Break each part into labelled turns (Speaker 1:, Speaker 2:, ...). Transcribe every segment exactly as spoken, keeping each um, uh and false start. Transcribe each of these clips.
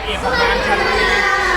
Speaker 1: เอกของงานชั้นนี้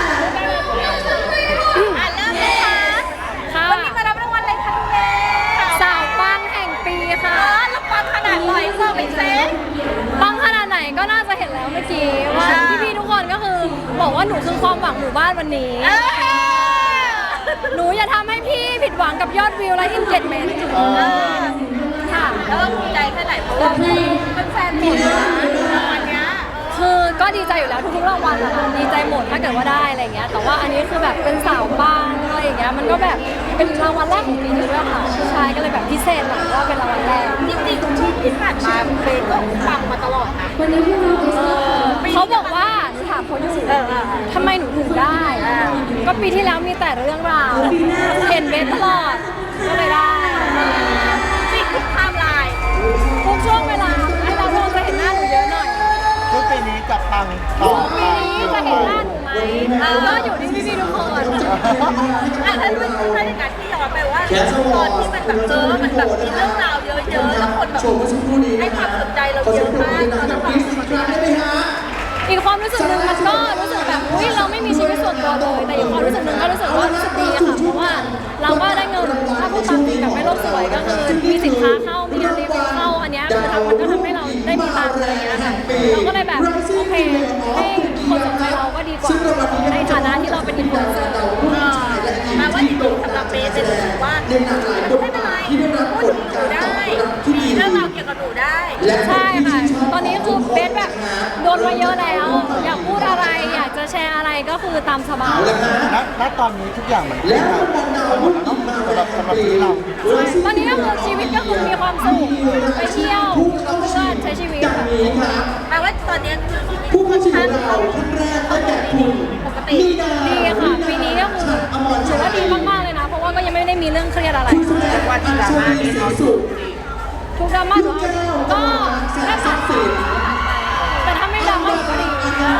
Speaker 2: อ่ะเริ่มเลยค่ะวันนี้มารับรางวัลอะไรคะคุณแม่
Speaker 3: สาวปังแห่งปีค่ะ
Speaker 2: แล้วปังขนาดไหนเซอร์เป็นเซน
Speaker 3: ปังขนาดไหนก็น่าจะเห็นแล้วเมื่อกี้ว่าพี่ๆทุกคนก็คือบอกว่าหนูคือความหวังหมู่บ้านวันนี้หนูอย่าทำให้พี่ผิดหวังกับยอดวิวและอินเกจเมนต์ค่ะ
Speaker 2: แล้วก็ภูมิใจแค่ไหนเพราะว่าเป็นแฟนหมดนะรางวัลเนี้ย
Speaker 3: คือก็ดีใจอยู่แล้วทุกๆรางวัลอะดีใจหมดถ้าเกิดว่าได้อะไรเงี้ยแต่ว่าอันนี้คือแบบเป็นสาวปังอะไรอย่างเงี้ยมันก็แบบเป็นรางวัลแรกของปีนี้ด้วยค่ะใช่ก็เลยแบบพิเศษหน่อยว่าเป็นรางวัลแรก
Speaker 2: จริงๆที่ที่ผ่านมาเป็นก็ปังมาตลอดนะ
Speaker 3: เขาบอกว่าหนูถามเขาอยู่ทำไมหนูถึงได้ก็ปีที่แล้วมีแต่เรื่องราวเห็นเบสตลอดก็เลยได้
Speaker 2: นี่คือไทม์ไลน์
Speaker 3: ทุกช่วงเวลาให้เราลองจะเห็นหน้าหนูเยอะหน่อย
Speaker 1: ทุกปีนี้จะปังต่อ
Speaker 3: ปีนี้จะเห็นหน้าหนูไหมก็อยู่ที่พี่ๆทุกคน
Speaker 2: อ่ะถ้าเป็นถ้าในการที่ย้อนไปว่าตอนที่มันแบบเจอมันแบบมีเรื่องราวเยอะๆแล้วคนแบบให้ความสนใจเราเยอะมากตอนนั้นความรู้สึก
Speaker 3: อีกความรู้สึกหนึ่งมันก็รู้สึกแบบอุ้ยเราไม่มีชีวิตส่วนตัวเลยแต่อีกความรู้สึกหนึ่งก็รู้สึกว่ารู้สึกดีค่ะเพราะว่าเราก็ได้เงินถ้าพูดตามจริงแบบไม่โลกสวยก็คือมีสินค้าเข้ามีรีวิวเข้าอันนี้คือทำมันก็ทำให้เราได้มีตังค์อะไรอย่างเงี้ยค่ะเราก็เลยแบบโอเคให้คนสนใจเราก็ดีกว่าในฐานะที่เราเป็นอินฟลูเอนเซอร์
Speaker 2: แม้ว่าจริงๆสำหรับเบสเป็นรู้สึกว่าไม่เป็นไรพูดถึงหนูได้มีเรื่องราวเกี่ยวกับหนูได้
Speaker 3: ใช่ค่ะตอนนี้คือเบสแบบโดนมาเยอะแล้วอยากพูดอะไรอยากจะแชร์อะไรก็คือตามสบาย
Speaker 1: ณตอนนี้ทุกอย่างมันเป็นแบบหมดแล้วสำหรับสำหรับที่เรา
Speaker 3: ตอนนี้ก็คือชีวิตก็คือมีความสุขไปเที่ยวกับเพื่อนใช้ชีวิต
Speaker 2: แปลว่าตอนนี้คือผู้ค่อนข้างปกติ
Speaker 3: ดีค่ะปีนี้ก็คือถือว่าดีมากๆเลยนะเพราะว่าก็ยังไม่ได้มีเรื่องเครียดอะไร
Speaker 1: วันที่ดราม่าที่เขาสุด
Speaker 3: ทุกดราม่าก็แค่ผ่านแต่ถ้าไม่ดราม่าก็ดี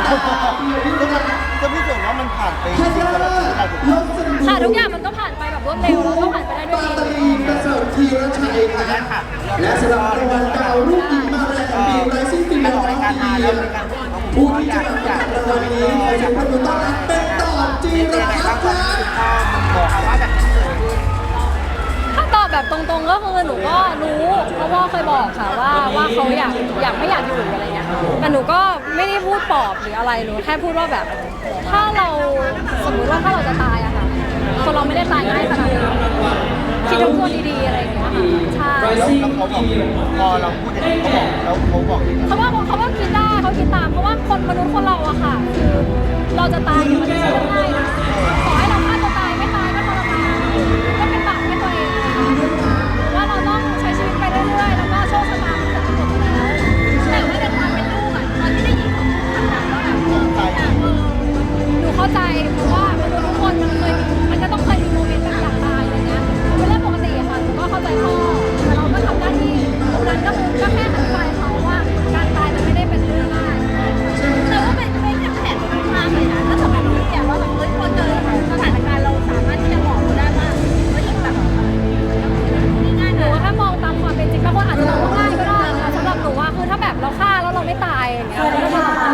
Speaker 1: จะพิสูจน์ว่ามันผ่านไปจริงๆสำหรับชีวิตเรา
Speaker 3: ค่ะทุกอย่างมันก็ผ่านไปแบบรวดเร็วแล้วก็ผ่านไปได้ด้วยดี
Speaker 4: ประเสริฐธีรชัยค่ะและสำหรับรางวัลดาวรุ่งหญิงมาแรงของปีไร้สิ้นปีสองพันยี่สิบผู้ที่จะรับรางวัลนี้ขอเสียงปรบมือต้อนรับเป็นต่อจีรพัฒน์ค่ะ
Speaker 1: บอกว่าแบบนี้เกิดขึ้น
Speaker 3: ถ้าตอบแบบตรงๆก็คือหนูก็รู้เพราะว่าเคยบอกค่ะว่าว่าเขาอยากอยากไม่อยากอยู่อะไรเงี้ยแต่หนูก็ไม่ได้พูดปลอบหรืออะไรหนูแค่พูดว่าแบบถ้าเราสมมติว่าถ้าเราจะตายอะค่ะคนเราไม่ได้ตายง่ายขนาดนั้นคิดทบทวนดีๆอะไรอย่างเงี้ยค่ะใช่
Speaker 1: แล้วเขาบอกพอเราพูดอย่างนี้เขาบอกแล้วเขาบอก
Speaker 3: เขาว่าเขาว่าคิดได้เขาคิดตามเพราะว่าคนมนุษย์คนเราอะค่ะคือเราจะตายเนี่ยมันไม่ใช่เรื่องง่ายนะขอให้เราฆ่าตัวตายไม่ตายก็ทรมานก็เป็นบาปให้ตัวเองว่าเราต้องใช้ชีวิตไปเรื่อยๆแล้วก็โชคชะตามันจะกำหนดแล้ว
Speaker 2: แต่ว่าในความเป็นลูกอะตอนที่ได้ยินเขาพูดคำนั้นว่าแบบห
Speaker 3: นูเข้าใจเพราะว่ามนุษย์ทุกคนมันเคยมันก็ต้องเคยมีโมเมนต์แบบอยากตายอะไรเงี้ยเป็นเรื่องปกติอะค่ะหนูก็เข้าใจพ่อแต่เราก็ทำหน้าที่ตรงนั้นก็คือก็แค่อธิบายเขาว่าการตายมันไม่ได้เป็นเรื่องง่าย
Speaker 2: แต่ว่าเป็นเป็นแผนมากเลยนะถ้าสมมติเราอยากว่าแบบเฮ้ยพอเจอสถานการณ์เราสามารถที่จะบอกเขาได้ว่าเฮ้ยแบบนี่ง่ายนะ
Speaker 3: หนูแค่มองตามความเป็นจริงบางคนอาจจะมองว่าง่ายก็ได้ค่ะสำหรับหนูว่าคือถ้าแบบเราฆ่าแล้วเราไม่ตายอย่างเงี้ยมันก็ทำ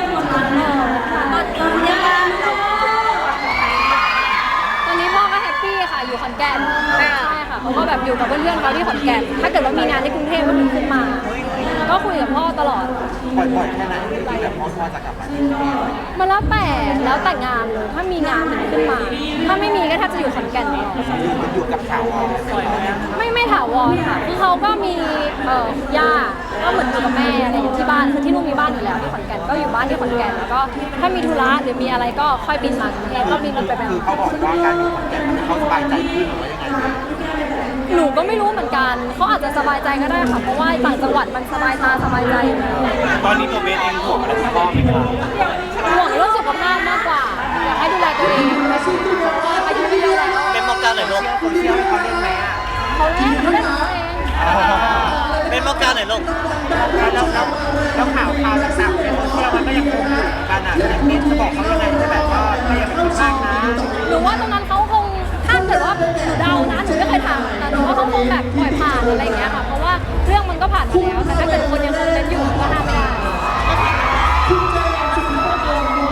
Speaker 3: ตอนนี้พ่อก็แฮปปี้ค่ะอยู่ขอนแก่นใช่ค่ะเขาก็แบบอยู่กับเพื่อนๆเขาที่ขอนแก่นถ้าเกิดว่ามีงานที่กรุงเทพก็ถึงขึ้นมาก็คุยกับพ่อตลอด
Speaker 1: บ่อยๆแค่นั้นที่แบบพ่อพ่อจะกลับมาที่นี่
Speaker 3: มันแล้วแต่แล้วแต่งานเลยถ้ามีงานถึงขึ้นมาถ้าไม่มีก็แทบจะอยู่ขอนแก่นเลย
Speaker 1: อยู่กับถาวร
Speaker 3: ไม่ไม่ถาวรค่ะคือเขาก็มีเอ่อย่าก็เหมือนอยู่กับแม่อะไรอยู่ที่บ้านคือที่นู่นมีบ้านอยู่แล้วที่ขอนแก่นก็อยู่บ้านที่ขอนแก่นแล้วก็ถ้ามีธุระหรือมีอะไรก็ค่อยบินมากรุงเทพก็บินไปแบบ
Speaker 1: คือเขาบอกว่าการอยู่ขอนแก่นเขาสบายใจขึ้นหรือว่ายังไง
Speaker 3: หนูก็ไม่รู้เหมือนกันเขาอาจจะสบายใจก็ได้ค่ะเพราะว่าต่างจังหวัดมันสบายตาสบายใจ
Speaker 1: ตอนนี้ตัวเบสเองห่วงอะไรกับพ่อไหมครับ
Speaker 3: ห่วงเรื่องสุขภาพมากกว่าอยากให้ดูแลตัวเองอายุไม่เยอะแล้ว
Speaker 1: เป็นมองการหรือลูกคนเที่ยวเขาเล่นไหมอ่ะ
Speaker 3: เขาเล่นเขาเล่นของเขาเอง
Speaker 1: เป็นมองการหรือลูกแล้วแล้วแล้วข่าวข่าวต่างๆในโซเชียลมันก็ยังคงอยู่กันอ่ะนี่จะบอกเขายังไงจะแบบว่าไม่อยากไปคิดมากนะ
Speaker 3: หนูว่าตรงนั้นเขาคงถ้าเกิดว่าหนูเดานะหนูไม่เคยถามแต่หนูว่าเขาคงแบบปล่อยผ่านอะไรอย่างเงี้ยค่ะเพราะว่าเรื่องมันก็ผ่านมาแล้วแต่ถ้าเกิดคนยังคงเล่นอยู่ก็ห้ามไม่ได้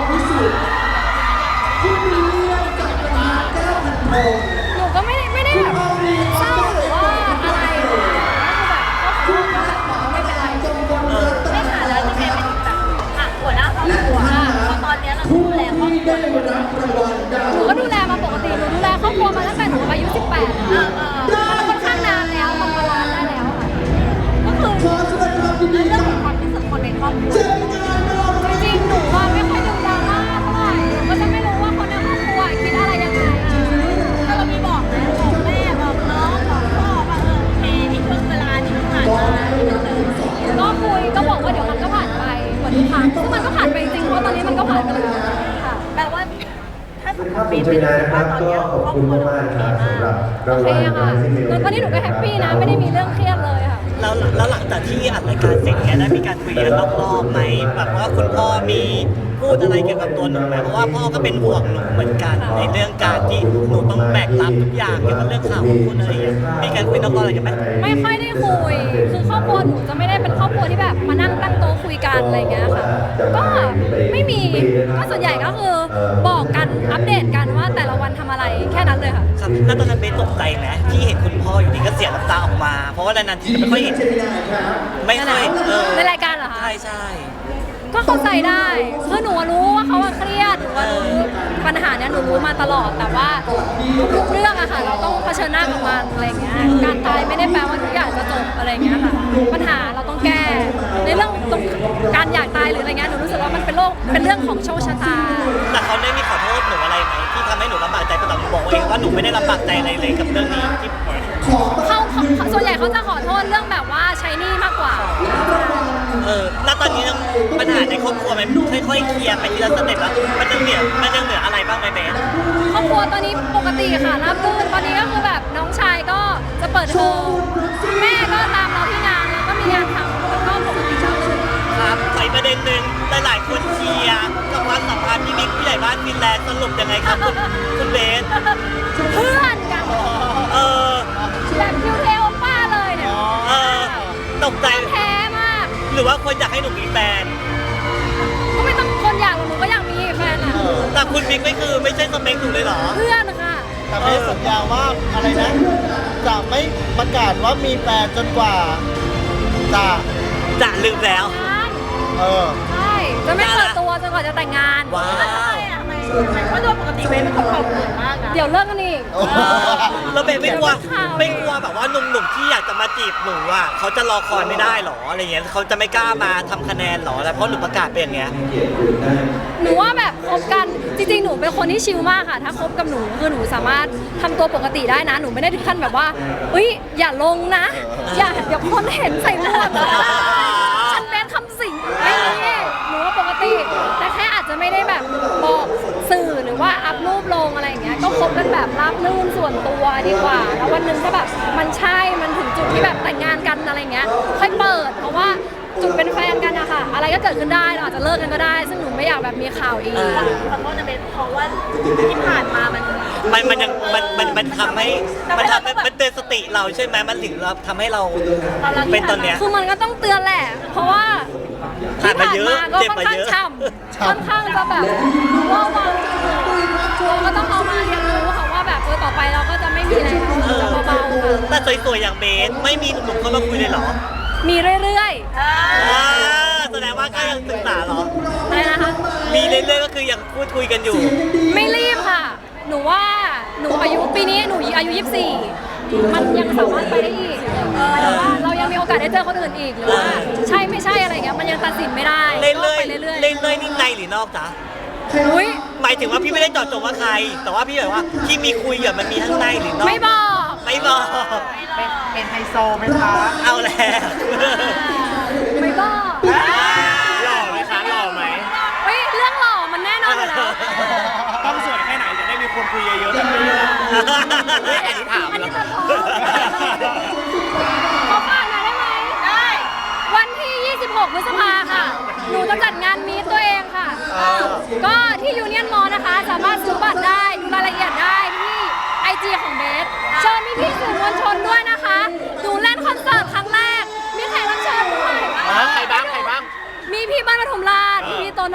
Speaker 4: คุณวิลเลียมจากคณะแก้วพันทอง
Speaker 3: หนูก็ไม่ได้ไม่ได้แบบเศร้าหรือว่าอะไรคือแบบก็คือแบบไม่เป็นไร
Speaker 2: ไม่ค่ะแล้วจะเป็นแบบอ่ะหัวหน้าครอบครัวพอตอนเนี้ยเราดูแลครอบครัว
Speaker 4: ได้รับรางวัลดาว
Speaker 3: หนูก็ดูแลมาปกติหนูดูแลครอบครัวมาตั้งแต่หนูอายุสิบแปดค่ะมันค่อนข้างนานแล้วทำมานานได้แล้วค่ะก็คือ
Speaker 4: ขอแสดงความยินดี
Speaker 2: เรื่อง
Speaker 4: กับ
Speaker 2: ของความรู้สึกคนในครอบครัว
Speaker 4: เจมินายนอร์
Speaker 3: จริงๆหนูว่าไม่ค่อยดูดราม่าเท่าไหร่หนูก็จะไม่รู้ว่าคนในครอบครัวคิดอะไรยังไง
Speaker 2: แล้วเรามีบอกนะบอกแม่บอกน้องบอกพ่อว่าเออโอเคที่ช่วงเวลาที่ผ่านมาที่มันเจอ
Speaker 3: ก็คุยก็บอกว่าเดี๋ยวมันก็ผ่านไปเหมือนทุกครั้งซึ่งมันก็ผ่านไปจริงๆเพราะตอนนี้มันก็ผ่านไปแล้วค่ะ
Speaker 2: แปลว่าถ้าสมม
Speaker 5: ครับ
Speaker 2: ติ
Speaker 5: ผ
Speaker 2: เป็
Speaker 5: ม
Speaker 2: น
Speaker 5: เจมินายนะค
Speaker 2: ว่า
Speaker 5: รับ
Speaker 2: ตอน
Speaker 5: ก็
Speaker 2: เนี้ย
Speaker 5: ขอบ
Speaker 2: ครอบ
Speaker 5: คุณ
Speaker 2: ครัว
Speaker 5: มากๆครับสำหรับราง
Speaker 3: โอ
Speaker 5: วั
Speaker 3: เค
Speaker 5: ล
Speaker 3: ค่ะ
Speaker 5: Rising Male
Speaker 3: ตอนนี้หนูก็แฮปปี้นะไม่ได้มีเรื่องเครียดเลยค่ะ
Speaker 1: แล้วแล้วหลังจากที่อัดรายการเสร็จเนี่ยได้มีการคุยกันรอบๆไหมแบบว่าคุณพ่อมีพูดอะไรเกี่ยวกับตัวหนูไหมเพราะว่าพ่อก็เป็นห่วงหนูเหมือนกันในเรื่องการที่หนูต้องแบกรับทุกอย่างเกี่ยวกับเรื่องข่าวของคุณอะไรอย่างเงี้ยมีการคุยนอกรอบอะไรกันไหม
Speaker 3: ไม่ค่อยได้คุย คือครอบครัวหนูจะไม่ได้เป็นครอบครัวที่แบบมานั่งตั้งโต๊ะคุยกันอะไรอย่างเงี้ยค่ะ ก็ไม่มี ก็ส่วนใหญ่ก็คือบอกกันอัปเดตกันว่าแต่ละวันทำอะไรแค่นั้นเลยค่ะ
Speaker 1: ครับแล้วตอนนั้นเบสตกใจไหมที่เห็นคุณพ่ออยู่ดีก็เสียน้ำตาออกมา เพราะว่านานๆทีจะไม่ค่อยเห็น
Speaker 4: เจมินายครับ
Speaker 1: ไม่ค่อยเออ
Speaker 3: ในรายการเหรอคะ
Speaker 1: ใช่ใช่
Speaker 3: ก็เข้าใจได้คือหนูรู้ว่าเขาเครียดหนูว่ารู้ปัญหาเนี้ยหนูรู้มาตลอด แต่ว่าทุกเรื่องอะค่ะ เราต้องเผชิญหน้ากับมันอะไรอย่างเงี้ย การตายไม่ได้แปลว่าทุกอย่างจะจบอะไรอย่างเงี้ยค่ะ ปัญหาเราต้องแก้ ในเรื่องตรงการอยากตายหรืออะไรเงี้ย หนูรู้สึกว่ามันเป็นโรคเป็นเรื่องของโชคชะตา
Speaker 1: แต่เขาได้มีขอโทษหนูอะไรไหมที่ทำให้หนูลำบากใจแต่หนูบอกเองว่าหนูไม่ได้ลำบากใจอะไรเลยกับเรื่องนี้ที่
Speaker 3: เขาเขาเขาส่วนใหญ่เขาจะขอโทษเรื่องแบบว่าใช้หนี้มากกว่า
Speaker 1: เออแล้วตอนนี้ปัญหาในครอบครัวมันค่อยๆเคลียร์ไปทีละสเต็ปแล้วมันยังเหลือมันยังเหลืออะไรบ้างไหมเบส
Speaker 3: ครอบครัวตอนนี้ปกติค่ะราบรื่นตอนนี้ก็คือแบบน้องชายก็จะเปิดเทอมแม่ก็ตามเราที่งานแล้วก็มีงานทำแล้วก็ปกติชอบเลย
Speaker 1: ครับไปประเด็นหนึ่งหลายๆคนเชียร์กับความสัมพันธ์พี่บิ๊กผู้ใหญ่บ้านฟินแลนด์สรุปยังไงครับคุณคุณเบส
Speaker 3: เพื่อนกัน
Speaker 1: เออ
Speaker 3: แบบคิวเทลป้าเลยเนี่ย
Speaker 1: เออตกใจ
Speaker 3: แท้มาก
Speaker 1: หรือว่าคนอยากให้หนูมีแฟน
Speaker 3: ก็ไม่ต้องคนอยากหรอกหนูก็อยากมีแฟนอ่ะ
Speaker 1: แต่คุณบิ๊กไม่คือไม่ใช่สเปคหนูเลยเหรอ
Speaker 3: เพื่อนค่ะ
Speaker 6: แต่ไม่ได้สัญญาว่าอะไรนะ จะไม่ประกาศว่ามีแฟนจนกว่าจะ
Speaker 1: จะลืมแล้ว
Speaker 3: งาน
Speaker 6: เออ
Speaker 3: ใช่จะไม่เปิดตัวจนกว่าจะแต่งงาน
Speaker 1: ว้าว
Speaker 2: ทำไมอ่ะทำไมทำไมเพราะโดยปกติเบนเป็นคนขอบคุณมากนะ
Speaker 3: เดี๋ยวเลิกกันอีก
Speaker 6: โอ้โห
Speaker 1: แล้วเบสไม่กลัว
Speaker 3: เดี๋ยวข่าว
Speaker 1: ไม่กลัวแบบว่าหนุ่มๆที่อยากจะมาจีบหนูอ่ะเขาจะรอคอยไม่ได้หรออะไรเงี้ยเขาจะไม่กล้ามาทำคะแนนหรออะไรเพราะหนูประกาศเป็นอย่างเงี้ย
Speaker 3: หนูว่าแบบคบกันจริงๆ หนูเป็นคนที่ชิลมากค่ะ ถ้าคบกับหนูคือหนูสามารถทำตัวปกติได้นะ หนูไม่ได้ถึงขั้นแบบว่าเอ้ยอย่าลงนะ อย่าเดี๋ยวคนเห็นใส่หมวกนะฉันเป็นคำสิงไม่มีหนูว่าปกติ แต่แค่อาจจะไม่ได้แบบบอกสื่อหรือว่าอัพรูปลงอะไรอย่างเงี้ยก็คบกันแบบราบรื่นส่วนตัวดีกว่า แล้ววันหนึ่งถ้าแบบมันใช่มันถึงจุดที่แบบแต่งงานกันอะไรเงี้ยค่อยเปิด เพราะว่าจุดเป็นแฟนกันอะค่ะ อะไรก็เกิดขึ้นได้เราอาจจะเลิกกันก็ได้ ซึ่งหนูไม่อยากแบบมีข่าวอีก
Speaker 2: ขอโทษนะเบนเพราะว่าที่ผ่านมามัน
Speaker 1: มันมันยังมันมันมันทำให้มันทำให้มันเตือนสติเราใช่ไหมมันถึงเราทำให้เราเป็นตอนเนี้ย
Speaker 3: คือมันก็ต้องเตือนแหละ เพราะว่า
Speaker 1: ผ่านมาเยอะ
Speaker 3: ก็
Speaker 1: เจ็บ
Speaker 3: ค่อน
Speaker 1: มา
Speaker 3: ข้าง
Speaker 1: เยอะ
Speaker 3: ช่ำค่อนข้างจะแบบว่าวางเราก็ต้องเอามาเรียนรู้ค่ะว่าแบบเออต่อไปเราก็จะไม่มีแล้วจะเบาๆค่ะ
Speaker 1: แต่สวยๆอย่างเบสไม่มีหนุ่มๆเข้ามาคุยเลยเหรอ
Speaker 3: มีเรื่อย
Speaker 1: อ่าแสดงว่าก็ยังศึกษาเหรอ
Speaker 3: ๆอะไรนะคะ
Speaker 1: มีเรื่อยๆก็คือยังพูดคุยกันอยู่
Speaker 3: ไม่รีบค่ะ หนูว่าหนูอายุปีนี้หนูอายุยี่สิบสี่มันยังสามารถไปได้อีกแต่ว่าเรายังมีโอกาสได้เจอคนอื่นอีกหรือว่าใช่ไม่ใช่อะไรเงี้ยมันยังตัดสินไม่ได้
Speaker 1: เล่น
Speaker 3: ก็
Speaker 1: เรื่อย
Speaker 3: ไปเรื่อย
Speaker 1: เล่นเรื่อยนี่ในหรือนอกจ๊ะ
Speaker 3: ๆอุ้ย
Speaker 1: หมายถึงว่าพี่ไม่ได้เจาะจงว่าใคร แต่ว่าพี่แบบว่าที่มีคุยกับมันมีทั้งในหรือนอก
Speaker 3: ไม่บอก
Speaker 1: ไม่บอก
Speaker 2: เป็น
Speaker 1: เป็นไฮโซไหมคะ เอาแล้ว
Speaker 3: ไม่บอก
Speaker 1: หล่อไหมคะหล่อไหม
Speaker 3: เฮ้ยเรื่องหล่อมันแน่นอนอยู่แล้ว
Speaker 1: ต้องสวยแค่ไหนจะได้มีคนคุยเยอะๆแบบนี้อันนี้ถาม
Speaker 3: อัน
Speaker 1: แล้
Speaker 3: นี้
Speaker 1: ว
Speaker 3: ตัดพอขอฝากหน่อยได้ไหมได้ วันที่ ยี่สิบหก พฤษภาค่ะ หนูจะจัดงานมีตตัวเองค่ะ ก็ที่ยูเนียนมอลนะคะ สามารถซื้อบัตรได้ดูรายละเอียดได้ที่ไอจีของเบสเชิญพี่พี่ๆสื่อมวลชนด้วยนะคะหนูเล่นคอนเสิร์ตครั้งแรก มีแขกรับเชิญด้วย
Speaker 1: ใครบ้างใครบ้าง
Speaker 3: มีพี่บ้านปทุมราชมีพี่โตโน่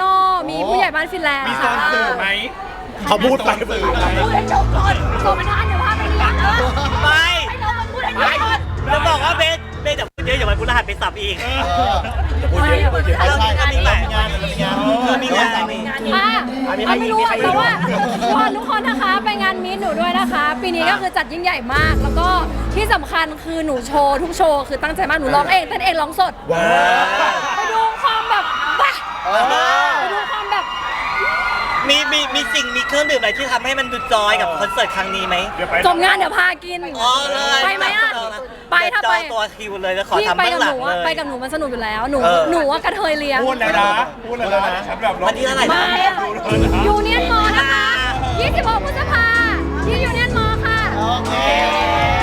Speaker 3: มีผู้ใหญ่บ้านฟินแลนด์
Speaker 5: มีโซ
Speaker 3: ค่ะ
Speaker 5: นสื่อไหม
Speaker 6: เขาพูดไป
Speaker 5: สื่อไหม
Speaker 2: พูดให้จบก่อนโซมันทันเดี๋ยวพาไปเลี้ยงเออ
Speaker 1: ไป
Speaker 2: ให้เรามาพูดให้จบก่อน
Speaker 1: จะบอกว่าเบสเบสเดี๋ยวพูดเยอะอย่าไปพูดรหัสไปสับอีก
Speaker 6: พูดเยอะพูดเยอะ
Speaker 1: เรา
Speaker 6: ใช่
Speaker 1: ก็มีหลาย
Speaker 6: งานมีงาน
Speaker 1: เออมีงาน
Speaker 6: มี
Speaker 2: งานนี้
Speaker 3: อ่ะเอาไม่รู้อะแต่ว่าทุกคนทุกคนนะคะไปงานมีตหนูด้วยนะคะ ปีนี้ก็คือจัดยิ่งใหญ่มาก แล้วก็ที่สำคัญคือหนูโชว์ทุกโชว์คือตั้งใจมากหนูร้องเองเต้นเองร้องสด
Speaker 6: ว้าว
Speaker 3: ไปดูความแบบบ้า
Speaker 6: เออ
Speaker 3: ไปดูความแบบ
Speaker 1: มีมีมีสิ่งมีเครื่องดื่มอะไรที่ทำให้มันดูจอยกับคอนเสิร์ตครั้งนี้ไหม
Speaker 5: เดี๋ยวไป
Speaker 3: จบงานเดี๋ยวพากิน
Speaker 1: อ๋อเลย
Speaker 3: ไปไหมอ่ะไปถ้าไป
Speaker 1: จองตัวคิวเลยแล้วขอ
Speaker 3: พี่
Speaker 1: ทำ
Speaker 3: ไป
Speaker 1: เบื้อง
Speaker 3: กับ
Speaker 1: หลั
Speaker 3: ห
Speaker 1: ง
Speaker 3: นู
Speaker 1: เล
Speaker 3: อะ
Speaker 1: ย
Speaker 3: ไปกับหนูมันสนุกอยู่แล้ว หนู
Speaker 1: เออ
Speaker 3: หนูว่ากระเทยเลี้ยง
Speaker 5: พูดแล้วนะพูดแล้วนะฉันแบบร้อง
Speaker 1: วันที่เท่าไหร่นะ
Speaker 3: มายูเนียนมอนะคะยี่สิบหกพฤษภาที่ยูเนียนมอค่ะ
Speaker 6: โอเค